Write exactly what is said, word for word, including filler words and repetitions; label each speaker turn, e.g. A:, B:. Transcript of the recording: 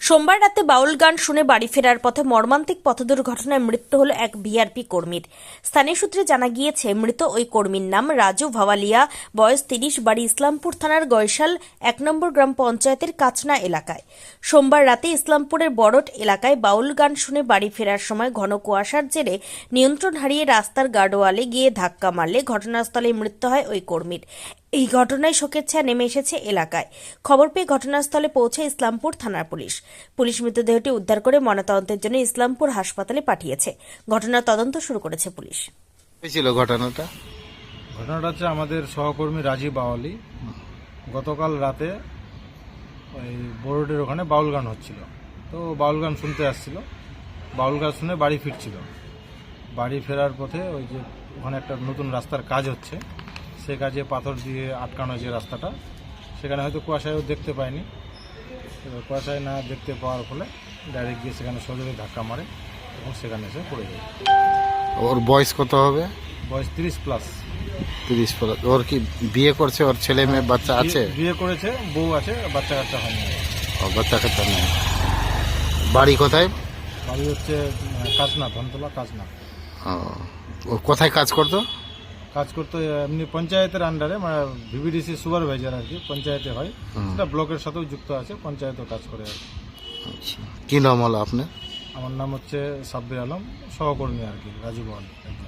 A: সোমবার রাতে বাউল গান শুনে বাড়ি ফেরার পথে মর্মান্তিক পথ দুর্ঘটনায় মৃত্যু হল এক ভিআরপি কর্মীর। স্থানীয় সূত্রে জানা গিয়েছে, মৃত ওই কর্মীর নাম রাজু ভাওয়ালিয়া, বয়স তিরিশ, বাড়ি ইসলামপুর থানার গয়শাল এক নম্বর গ্রাম পঞ্চায়েতের কাচনা এলাকায়। সোমবার রাতে ইসলামপুরের বড়ট এলাকায় বাউল গান শুনে বাড়ি ফেরার সময় ঘন কুয়াশার জেরে নিয়ন্ত্রণ হারিয়ে রাস্তার গার্ডওয়ালে গিয়ে ধাক্কা মারলে ঘটনাস্থলে মৃত্যু হয় ওই কর্মীর। এই ঘটনায় শোকের ছায়া নেমে এসেছে এলাকায়। খবর পেয়ে ঘটনাস্থলে পৌঁছে ইসলামপুর থানার পুলিশ পুলিশ মৃতদেহটি উদ্ধার করে ময়নাতদন্তের জন্য ইসলামপুর হাসপাতালে পাঠিয়েছে। ঘটনার তদন্ত শুরু করেছে পুলিশ।
B: হয়েছিল ঘটনাটা
C: ঘটনাটা হচ্ছে আমাদের সহকর্মী রাজীব বাওয়ালি গতকাল রাতে ওই বোরডের ওখানে বাউল গান হচ্ছিল, তো বাউল গান শুনতে আসছিল। বাউল গান শুনে বাড়ি ফিরছিল। বাড়ি ফেরার পথে ওই যে ওখানে একটা নতুন রাস্তার কাজ হচ্ছে, সে কাজে পাথর দিয়ে আটকানো যে রাস্তাটা, সেখানে হয়তো কুয়াশায় দেখতে পায়নি। কুয়াশায় না দেখতে পাওয়ার ফলে ডাইরেক্ট গিয়ে সেখানে সজোরে ধাক্কা মারে এবং সেখানে এসে পড়ে যায়।
B: ওর বয়স কত হবে?
C: বয়স তিরিশ প্লাস।
B: তিরিশ প্লাস। ওর কি বিয়ে করছে? ওর ছেলে মেয়ে বাচ্চা আছে?
C: বিয়ে করেছে, বউ আছে, বাচ্চা কাচ্চা হয়নি।
B: ও বাচ্চা কাচ্চা নেই। বাড়ি কোথায়?
C: বাড়ি হচ্ছে কাচনা, ধনতলা কাচনা।
B: ও কোথায় কাজ করতো?
C: কাজ করতো এমনি পঞ্চায়েতের আন্ডারে, মানে ভিভিডিসি সুপারভাইজার আর কি, পঞ্চায়েতে হয়। সেটা ব্লকের সাথেও যুক্ত আছে, পঞ্চায়েতও কাজ করে আর কি।
B: আচ্ছা, কি নাম হলো আপনার?
C: আমার নাম হচ্ছে সাব্বির আলম, সহকর্মী আর কি, রাজু বাওয়ালি।